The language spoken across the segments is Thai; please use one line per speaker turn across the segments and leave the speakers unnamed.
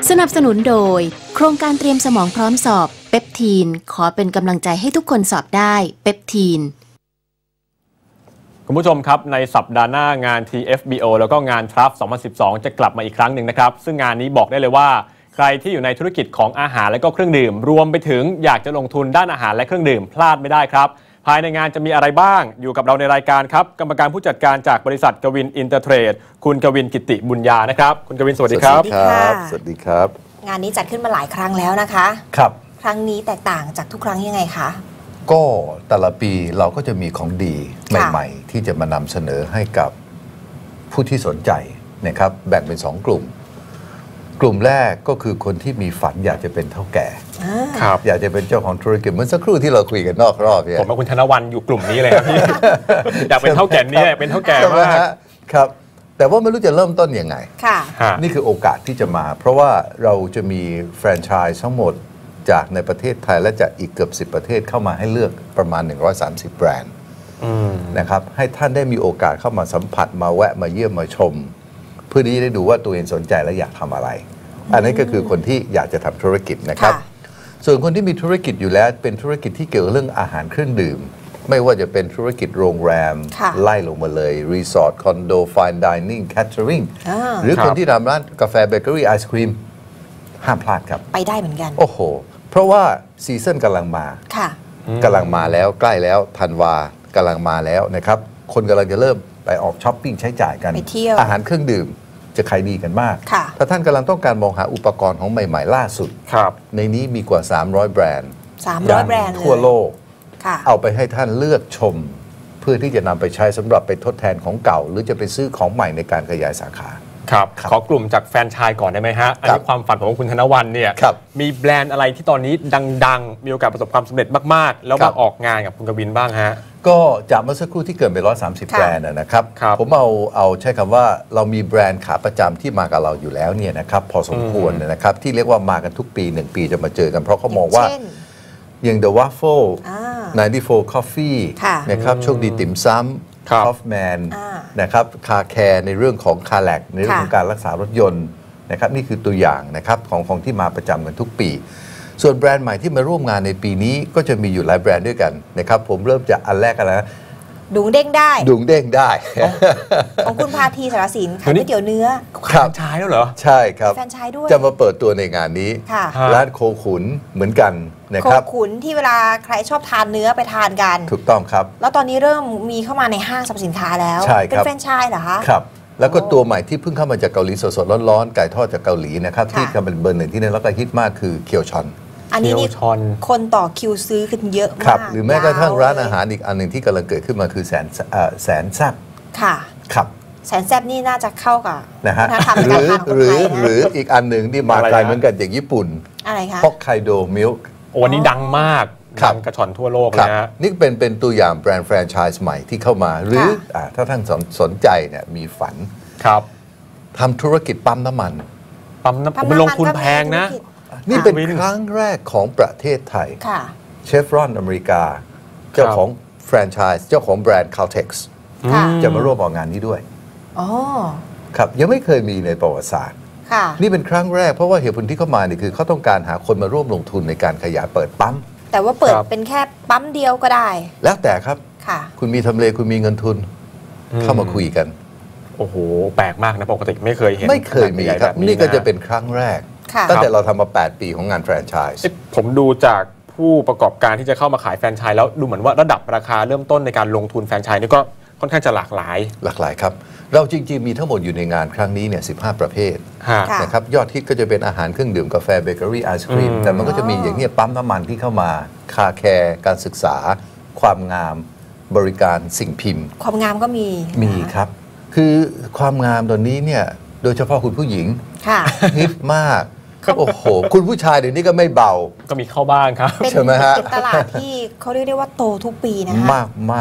สนับสนุนโดยโครงการเตรียมสมองพร้อมสอบเปปทีนขอเป็นกำลังใจให้ทุกคนสอบได้เปปทีน
คุณผู้ชมครับในสัปดาห์หน้างาน TFBO แล้วก็งาน TRUF 2012 จะกลับมาอีกครั้งหนึ่งนะครับซึ่งงานนี้บอกได้เลยว่าใครที่อยู่ในธุรกิจของอาหารและก็เครื่องดื่มรวมไปถึงอยากจะลงทุนด้านอาหารและเครื่องดื่มพลาดไม่ได้ครับภายในงานจะมีอะไรบ้างอยู่กับเราในรายการครับกรรมการผู้จัดการจากบริษัทกวินอินเตอร์เทรดคุณกวินกิติบุญญานะครับคุณกวินสวัสดีครับ
สวัสดีครับสวัสดีครับ
งานนี้จัดขึ้นมาหลายครั้งแล้วนะคะ
ครับ
ครั้งนี้แตกต่างจากทุกครั้งยังไงคะ
ก็แต่ละปีเราก็จะมีของดีใหม่ๆที่จะมานำเสนอให้กับผู้ที่สนใจนะครับแบ่งเป็น2 กลุ่มกลุ่มแรกก็คือคนที่มีฝันอยากจะเป็นเท่าแก่อยากจะเป็นเจ้าของธุรกิจเหมือนสักครู่ที่เราคุยกันนอกรอบเนี่ย
ผมกับคุณธนวันอยู่กลุ่มนี้เลยครับพี่ อยากเป็นเท่าแก่นี่เป็นเท่าแก่มาก
ครับแต่ว่าไม่รู้จะเริ่มต้นยังไงนี่คือโอกาสที่จะมาเพราะว่าเราจะมีแฟรนไชส์ทั้งหมดจากในประเทศไทยและจากอีกเกือบ10 ประเทศเข้ามาให้เลือกประมาณ130 แบรนด์นะครับให้ท่านได้มีโอกาสเข้ามาสัมผัสมาแวะมาเยี่ยมมาชมเพื่อที่จะได้ดูว่าตัวเองสนใจและอยากทำอะไรอันนี้ก็คือคนที่อยากจะทำธุรกิจนะครับส่วนคนที่มีธุรกิจอยู่แล้วเป็นธุรกิจที่เกี่ยวกับเรื่องอาหารเครื่องดื่มไม่ว่าจะเป็นธุรกิจโรงแรมไล่ลงมาเลยรีสอร์ทคอนโดไฟน์ดิเนิ่งแคทเทอริงหรือคนที่ทำร้านกาแฟเบเกอรี่ไอศครีมห้ามพลาดครับ
ไปได้เหมือนกัน
โอ้โหเพราะว่าซีซั่นกำลังมา
ค่ะ
กำลังมาแล้วใกล้แล้วธันวากำลังมาแล้วนะครับคนกำลังจะเริ่มไปออกช้อปปิ้งใช้จ่ายกัน
ไปเที่ยว
อาหารเครื่องดื่มจะขายดีกันมากถ้าท่านกำลังต้องการมองหาอุปกรณ์ของใหม่ๆล่าสุดในนี้มีกว่า300 แบรนด์
300 แบรนด์
ทั่วโลกเอาไปให้ท่านเลือกชมเพื่อที่จะนำไปใช้สำหรับไปทดแทนของเก่าหรือจะไปซื้อของใหม่ในการขยายสาขา
ครับขอกลุ่มจากแฟรนไชส์ก่อนได้ไหมฮะอันนี้ความฝันของคุณธนวันเนี่ยมีแบรนด์อะไรที่ตอนนี้ดังๆมีโอกาสประสบความสำเร็จมากๆแล้วมาออกงานกับคุณกวินบ้างฮะ
ก็จากเมื่อสักครู่ที่เกินไป130 แบรนด์นะครับผมเอาใช้คำว่าเรามีแบรนด์ขาประจำที่มากับเราอยู่แล้วเนี่ยนะครับพอสมควรนะครับที่เรียกว่ามากันทุกปี1 ปีจะมาเจอกันเพราะเขามองว่าอย่าง The Waffle 94 Coffee นะครับโชคดีติ่มซ้ำคอฟแมนนะครับคาแคร์ในเรื่องของคาแลกในเรื่องของการรักษารถยนต์นะครับนี่คือตัวอย่างนะครับของที่มาประจำกันทุกปีส่วนแบรนด์ใหม่ที่มาร่วมงานในปีนี้ก็จะมีอยู่หลายแบรนด์ด้วยกันนะครับผมเริ่มจากอันแรกกันแล้ว
ดุงเด้งได้
ดุงเด้งได้
ของคุณพาทีสารสินขายก๋วยเตี๋ยวเนื้อ
แฟรนไชส์แล้วเหรอ
ใช่ครับ
แฟรนไชส์ด้วย
จะมาเปิดตัวในงานนี้ร้านโคขุนเหมือนกันนะครับ
โคขุนที่เวลาใครชอบทานเนื้อไปทานกัน
ถูกต้องครับ
แล้วตอนนี้เริ่มมีเข้ามาในห้างสรรพสินค้าแล้วเป็นแฟรนไชส์เหรอคะ
ครับแล้วก็ตัวใหม่ที่เพิ่งเข้ามาจากเกาหลีสดๆร้อนๆไก่ทอดจากเกาหลีนะครับที่กำลังเป็นเบอร์ 1ที่นี่แล้วก็ฮิตมากคือเคียวชอน
อันนี้นี่คนต่อคิวซื้อกันเยอะมาก
หรือแม้กระทั่งร้านอาหารอีกอันหนึ่งที่กำลังเกิดขึ้นมาคือแสนแซ่บ
ค่ะ
ครับ
แสนแซ่บนี่น่าจะเข้ากับ
นะฮะหรืออีกอันหนึ่งที่มาไกลเหมือนกันจากญี่ปุ่น
อะไรคะ
ฮอกไกโดมิลค์
วันนี้ดังมากดังกระชอนทั่วโลกเลยนะ
นี่เป็นตัวอย่างแบรนด์แฟรนไชส์ใหม่ที่เข้ามาหรือถ้าท่านสนใจเนี่ยมีฝันทำธุรกิจปั๊มน้ำมัน
มันลงทุนแพงนะ
นี่เป็นครั้งแรกของประเทศไทยเชฟรอนอเมริกาเจ้าของแฟรนไชส์เจ้าของแบรนด์ Caltex จะมาร่วมออกงานนี้ด้วยครับยังไม่เคยมีในประวัติศาสตร์นี่เป็นครั้งแรกเพราะว่าเหตุผลที่เข้ามาเนี่ยคือเขาต้องการหาคนมาร่วมลงทุนในการขยายเปิดปั๊ม
แต่ว่าเปิดเป็นแค่ปั๊มเดียวก็ได้
แล้วแต่ครับคุณมีทำเลคุณมีเงินทุนเข้ามาคุยกัน
โอ้โหแปลกมากนะปกติไม่เคยเห็น
ไม่เคยมีครับนี่ก็จะเป็นครั้งแรกตั้งแต่เราทำมา8 ปีของงานแฟรนไชส์
ผมดูจากผู้ประกอบการที่จะเข้ามาขายแฟรนไชส์แล้วดูเหมือนว่าระดับราคาเริ่มต้นในการลงทุนแฟรนไชส์นี่ก็ค่อนข้างจะหลากหลาย
ครับเราจริงๆมีทั้งหมดอยู่ในงานครั้งนี้เนี่ย15 ประเภทนะครับยอดฮิตก็จะเป็นอาหารเครื่องดื่มกาแฟเบเกอรี่ไอศครีมแต่มันก็จะมีอย่างนี้ปั๊มน้ำมันที่เข้ามาคาแคร์การศึกษาความงามบริการสิ่งพิมพ์
ความงามก็
มีครับคือความงามตอนนี้เนี่ยโดยเฉพาะคุณผู้หญิงฮิตมากโอ้โหคุณผู้ชายเดี๋ยวนี้ก็ไม่เบา
ก็มีเข้าบ้างครับ
ใช่ไหมฮะเป็นตลาดที่เขาเรียกได้ว่าโตทุกปีนะคะ
มาก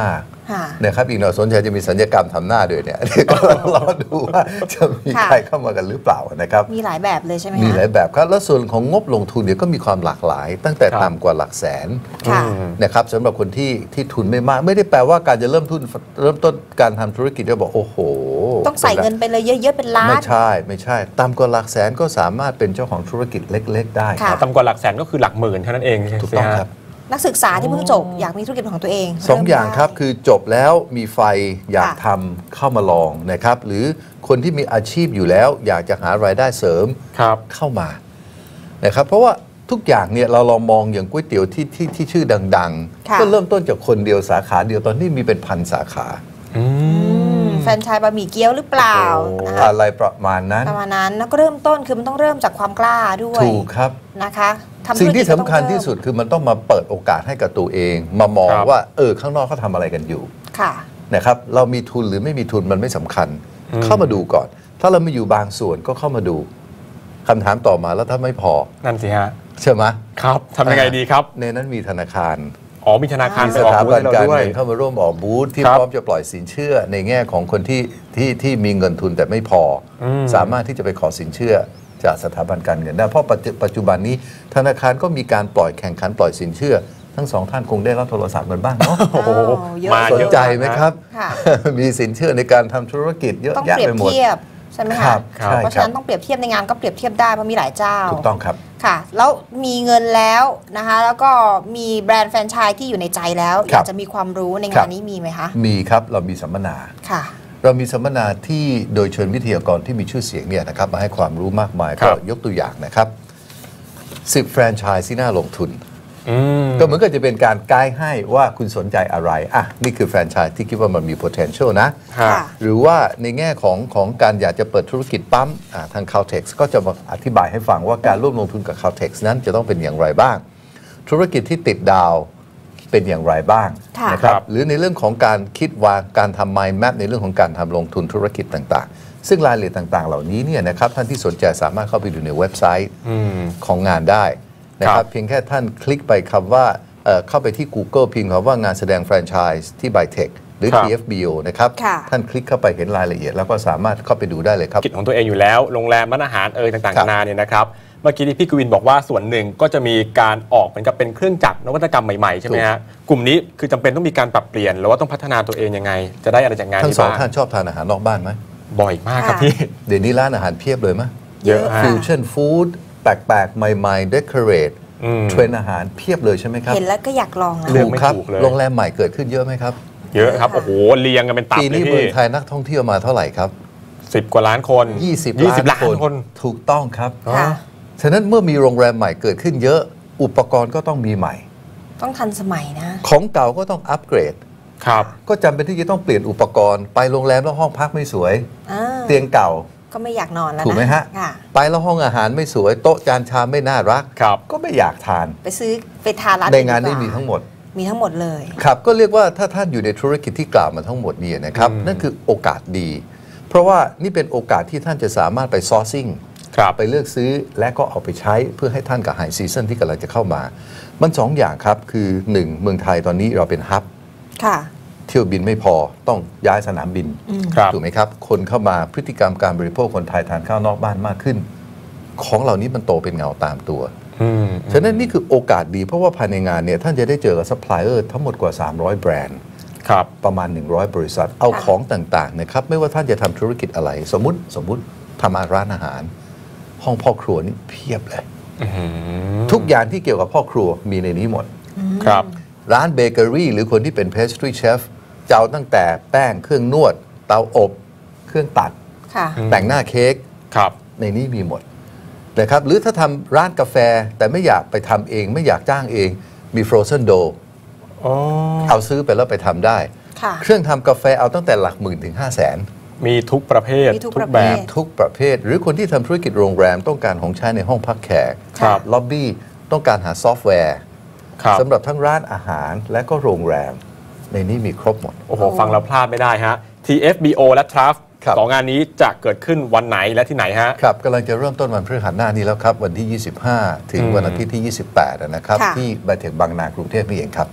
นะครับอีกหน่อยสนใจจะมีสัญญกรรมทำหน้าด้วยเนี่ยก็รอดูว่าจะมีใครเข้ามากันหรือเปล่านะครับ
มีหลายแบบเลยใช่ไหม
มีหลายแบบครับแล้วส่วนของงบลงทุนเนี่ยก็มีความหลากหลาย ตั้งแต่ต่ำกว่าหลักแสนนะครับสำหรับคนที่ทุนไม่มากไม่ได้แปลว่าการจะเริ่มต้นการทำธุรกิจจะบอกโอ้โห
ต้องใส่เงินไปเลยเยอะๆเป็นล้าน
ไม่ใช่ต่ำกว่าหลักแสนก็สามารถเป็นเจ้าของธุรกิจเล็กๆได้
ต่ำกว่าหลักแสนก็คือหลักหมื่นเท่านั้นเอง
ถูกต้องครับ
นักศึกษาที่เพิ่งจบอยากมีธุรกิจของตัวเอง
2 อย่างครับคือจบแล้วมีไฟอยากทำเข้ามาลองนะครับหรือคนที่มีอาชีพอยู่แล้วอยากจะหารายได้เสริมเข้ามานะครับเพราะว่าทุกอย่างเนี่ยเราลองมองอย่างก๋วยเตี๋ยวที่ชื่อดังๆก็เริ่มต้นจากคนเดียวสาขาเดียวตอนนี้มีเป็นพันสาขา
แฟรนไชส์บะหมี่เกี๊ยวหรือเปล่า
อะไรประมาณนั้น
แล้วก็เริ่มต้นคือมันต้องเริ่มจากความกล้าด้วย
ถูกครับ
นะคะ
สิ่งที่สำคัญที่สุดคือมันต้องมาเปิดโอกาสให้กับตัวเองมามองว่าข้างนอกเขาทำอะไรกันอยู่นะครับเรามีทุนหรือไม่มีทุนมันไม่สำคัญเข้ามาดูก่อนถ้าเราไม่อยู่บางส่วนก็เข้ามาดูคำถามต่อมาแล้วถ้าไม่พอ
นั่นสิฮะ
ใช่ไหม
ครับทำยังไงดีครับ
ในนั้นมีธนาคาร
มีธนาคาร
สถาบันการเงินเข้ามาร่วมออกบูธที่พร้อมจะปล่อยสินเชื่อในแง่ของคนที่มีเงินทุนแต่ไม่พอสามารถที่จะไปขอสินเชื่อจากสถาบันการเงินได้เพราะปัจจุบันนี้ธนาคารก็มีการปล่อยแข่งขันปล่อยสินเชื่อทั้งสองท่านคงได้รับโทรศัพท์กันบ้างเนาะสนใจไหมครับมีสินเชื่อในการทำธุรกิจเยอะแยะไปหมด
ใช่ไหมคะเพราะฉะนั้นต้องเปรียบเทียบในงานก็เปรียบเทียบได้เพราะมีหลายเจ้า
ถูกต้องครับ
ค่ะแล้วมีเงินแล้วนะคะแล้วก็มีแบรนด์แฟรนไชส์ที่อยู่ในใจแล้วอยากจะมีความรู้ในงานนี้มีไหมคะ
มีครับเรามีสัมมนา
ค่ะ
เรามีสัมมนาที่โดยเชิญวิทยากรที่มีชื่อเสียงเนี่ยนะครับมาให้ความรู้มากมายก็ยกตัวอย่างนะครับ10 แฟรนไชส์ที่น่าลงทุนก็เหมือนกับจะเป็นการไกด์ให้ว่าคุณสนใจอะไรนี่คือแฟรนไชส์ที่คิดว่ามันมี potential นะหรือว่าในแง่ของการอยากจะเปิดธุรกิจปั๊มทาง Caltex ก็จะมาอธิบายให้ฟังว่าการร่วมลงทุนกับ Caltex นั้นจะต้องเป็นอย่างไรบ้างธุรกิจที่ติดดาวเป็นอย่างไรบ้างนะครับหรือในเรื่องของการคิดวางการทำ mind map ในเรื่องของการทำลงทุนธุรกิจต่างๆซึ่งรายละเอียดต่างๆเหล่านี้เนี่ยนะครับท่านที่สนใจสามารถเข้าไปดูในเว็บไซต์ของงานได้นะครับเพียงแค่ท่านคลิกไปคำว่าเข้าไปที่ Google พิมพ์คำว่างานแสดงแฟรนไชส์ที่ Bytech หรือ TFBO นะครับท่านคลิกเข้าไปเห็นรายละเอียดแล้วก็สามารถเข้าไปดูได้เลยครับ
กิจของตัวเองอยู่แล้วโรงแรมร้านอาหารต่างๆนานาเนี่ยนะครับเมื่อกี้ที่พี่กวินบอกว่าส่วนหนึ่งก็จะมีการออกเหมือนกับเป็นเครื่องจักรนวัตกรรมใหม่ๆใช่ไหมฮะกลุ่มนี้คือจำเป็นต้องมีการปรับเปลี่ยนหรือว่าต้องพัฒนาตัวเองยังไงจะได้อะไรจากงานนี้บ้าง
ทั้งสองท่านชอบทานอาหารนอกบ้านไหม
บ่อยมากครับพี่
เดี๋ยวนี้ร้านอาหารเพียบเลยไหม
เยอะ
ฟิวชั่นฟู้ดแปลกๆใหม่ๆเดคอเรทเทรนอาหารเพียบเลยใช่ไหมครับ
เห็นแล้วก็อยากลองนะ
ถูกครับโรงแรมใหม่เกิดขึ้นเยอะไหมครับ
เยอะครับโอ้โหเรียงกันเป็นตับเลย
ปีนี้เมืองไทยนักท่องเที่ยวมาเท่าไหร่ครับ
10 กว่าล้านคน
20 ล้านคนถูกต้องครับฉะนั้นเมื่อมีโรงแรมใหม่เกิดขึ้นเยอะอุปกรณ์ก็ต้องมีใหม่
ต้องทันสมัยนะ
ของเก่าก็ต้องอัปเกรด
ครับ
ก็จำเป็นที่จะต้องเปลี่ยนอุปกรณ์ไปโรงแรมแล้วห้องพักไม่สวยเตียงเก่า
ก็ไม่อยากนอนแล้วนะ
ถูกไหมฮะไปแล้วห้องอาหารไม่สวยโต๊ะจานชามไม่น่ารักก็ไม่อยากทาน
ไปทานร้าน
ในงานนี้มีทั้งหมด
เลย
ครับก็เรียกว่าถ้าท่านอยู่ในธุรกิจที่กล่าวมาทั้งหมดนี่นะครับนั่นคือโอกาสดีเพราะว่านี่เป็นโอกาสที่ท่านจะสามารถไปซอร์ซิ่งไปเลือกซื้อและก็เอาไปใช้เพื่อให้ท่านกับไฮซีซั่นที่กำลังจะเข้ามามัน2 อย่างครับคือ1เมืองไทยตอนนี้เราเป็นฮับเที่ยวบินไม่พอต้องย้ายสนามบินถูกไหมครับคนเข้ามาพฤติกรรมการบริโภคคนไทยทานข้าวนอกบ้านมากขึ้นของเหล่านี้มันโตเป็นเงาตามตัวฉะนั้นนี่คือโอกาสดีเพราะว่าภายในงานเนี่ยท่านจะได้เจอกับซัพพลายเออร์ทั้งหมดกว่า300แบรนด์ประมาณ100บริษัทเอาของต่างๆนะครับไม่ว่าท่านจะทำธุรกิจอะไรสมมุติทำร้านอาหารห้องพ่อครัวนี่เพียบเลยทุกอย่างที่เกี่ยวกับพ่อครัวมีในนี้หมด
ครับ
ร้านเบเกอรี่หรือคนที่เป็นเพสทรีเชฟจะเอาตั้งแต่แป้งเครื่องนวดเตาอบเครื่องตัดแต่งหน้าเค้กในนี้มีหมดนะครับหรือถ้าทำร้านกาแฟแต่ไม่อยากไปทำเองไม่อยากจ้างเองมีฟรอเซนโดเอาซื้อไปแล้วไปทำได้เครื่องทำกาแฟเอาตั้งแต่หลักหมื่นถึง500,000
มีทุกประเภท
ทุก
แบบทุกประเภทหรือคนที่ทำธุรกิจโรงแรมต้องการของใช้ในห้องพักแขกล็อบบี้ต้องการหาซอฟต์แวร์สำหรับทั้งร้านอาหารและก็โรงแรมในนี้มีครบหมด
โอ้โหฟังแล้วพลาดไม่ได้ฮะ TFBO และ Traf สองงานนี้จะเกิดขึ้นวันไหนและที่ไหนฮะ
ครับกำลังจะเริ่มต้นวันพฤหัสหน้านี้แล้วครับวันที่25ถึงวันอาทิตย์ที่28นะครับที่Bytechบางนากรุงเทพนี่เองครับ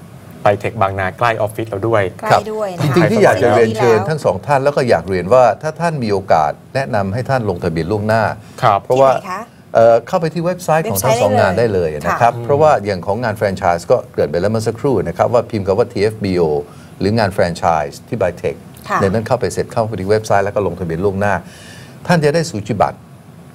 ไปเทคบางนาใกล้ออฟฟิศเราด้วย
ใกล้ด้วยนะ
จริงๆที่อยากจะเรียนเชิญทั้งสองท่านแล้วก็อยากเรียนว่าถ้าท่านมีโอกาสแนะนำให้ท่านลงทะเบียนล่วงหน้าเพราะว่าเข้าไปที่เว็บไซต์ของทั้งสองงานได้เลยนะครับเพราะว่าอย่างของงานแฟรนไชส์ก็เกิดไปแล้วเมื่อสักครู่นะครับว่าพิมพ์คำว่า TFBO หรืองานแฟรนไชส์ที่ Bytech ในนั้นเข้าไปเสร็จเข้าไปที่เว็บไซต์แล้วก็ลงทะเบียนล่วงหน้าท่านจะได้สูจิบัตร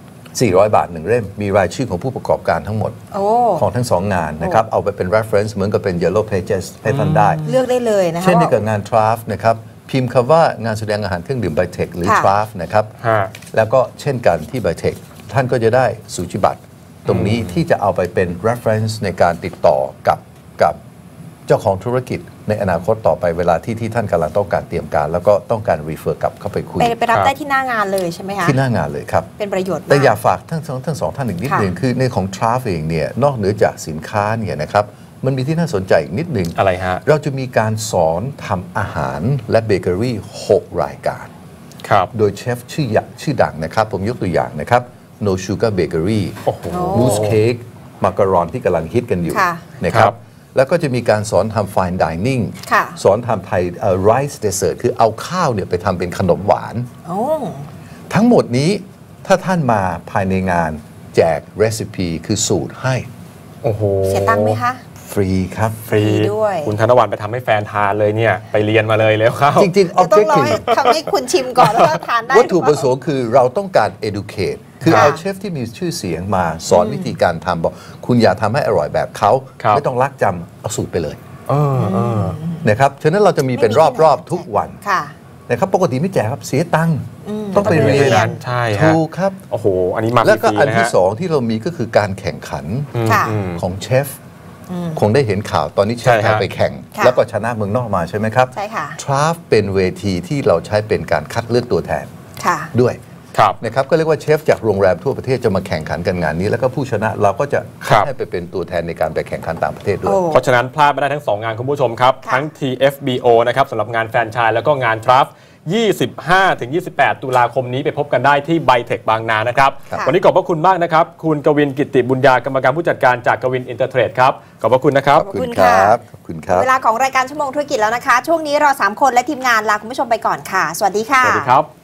400 บาท1เล่มมีรายชื่อของผู้ประกอบการทั้งหมดของทั้ง2งานนะครับเอาไปเป็น reference เหมือนกับเป็น yellow pages ให้ท่านได้
เลือกได้เลยนะคะ
เช่นเดียวกับงาน Traft นะครับพิมพ์คำว่างานแสดงอาหารเครื่องดื่ม Bytech หรือ Traft นะครับแล้วก็เช่นกันที่ Bytech ท่านก็จะได้สูจิบัตรตรงนี้ที่จะเอาไปเป็น reference ในการติดต่อกับเจ้าของธุรกิจในอนาคตต่อไปเวลาที่ท่านกำลังต้องการเตรียมการแล้วก็ต้องการ refer กลับเข้าไปคุย
ไปรับได้ที่หน้างานเลยใช่ไหมคะ
ที่หน้างานเลยครับ
เป็นประโยชน์
แต่อยากฝากทั้งสองท่านอีกนิดนึงคือในของ Traft เองเนี่ยนอกเหนือจากสินค้าเนี่ยนะครับมันมีที่น่าสนใจอีกนิดนึง
อะไรฮะ
เราจะมีการสอนทำอาหารและเบเกอรี่6รายการ
ครับ
โดยเชฟชื่อดังนะครับผมยกตัวอย่างนะครับ No Sugar Bakery Mousse Cake มักกะรอนที่กำลังฮิตกันอยู่นะครับแล้วก็จะมีการสอนทำ fine dining สอนทำไทย rice dessert คือเอาข้าวเนี่ยไปทำเป็นขนมหวานทั้งหมดนี้ถ้าท่านมาภายในงานแจก recipe คือสูตรให้
โอ้โห
เสียตังค์ไหมคะ
ฟรีครับ
ฟรีด้วย
คุณธนวัลย์ไปทำให้แฟนทานเลยเนี่ยไปเรียนมาเลยแล้วครับ
จริงๆ
objective ทำให้คุณชิมก่อนแล้วก็ทานได้
วัตถุประสงค์คือเราต้องการ educate คือเอาเชฟที่มีชื่อเสียงมาสอนวิธีการทำบอกคุณอย่าทำให้อร่อยแบบเขาไม่ต้องลักจำเอาสูตรไปเลยนะครับฉะนั้นเราจะมีเป็นรอบๆทุกวันนะครับปกติไม่แจกครับเสียตังค์ต้องไปเรียน
ใช่
ถูกครับ
โอ้โหอันนี้มา
แล้วก็อันที่2ที่เรามีก็คือการแข่งขันของเชฟคงได้เห็นข่าวตอนนี้เชฟไทยไปแข่งแล้วก็ชนะเมืองนอกมาใช่ไหมครับ
ใช่ค่ะ
Traft เป็นเวทีที่เราใช้เป็นการคัดเลือกตัวแทนด้วยนะครับก็เรียกว่าเชฟจากโรงแรมทั่วประเทศจะมาแข่งขันกันงานนี้แล้วก็ผู้ชนะเราก็จะให้ไปเป็นตัวแทนในการไปแข่งขันต่างประเทศด้วย
เพราะฉะนั้นพลาดไม่ได้ทั้ง2งานคุณผู้ชมครับทั้ง TFBO นะครับสำหรับงานแฟรนไชส์แล้วก็งาน Traft 25-28 ตุลาคมนี้ไปพบกันได้ที่ Bytech บางนานะครับวันนี้ขอบพระคุณมากนะครับคุณกวินกิตติบุญญากรรมการผู้จัดการจากกวินอินเตอร์เทรดครับขอบพระคุณนะครับ
ขอบคุณครับขอบคุณครับ
เวลาของรายการชั่วโมงธุรกิจแล้วนะคะช่วงนี้เรา3คนและทีมงานลาคุณผู้ชมไปก่อนค่ะสวัสดีค่ะ
สวัสดีครับ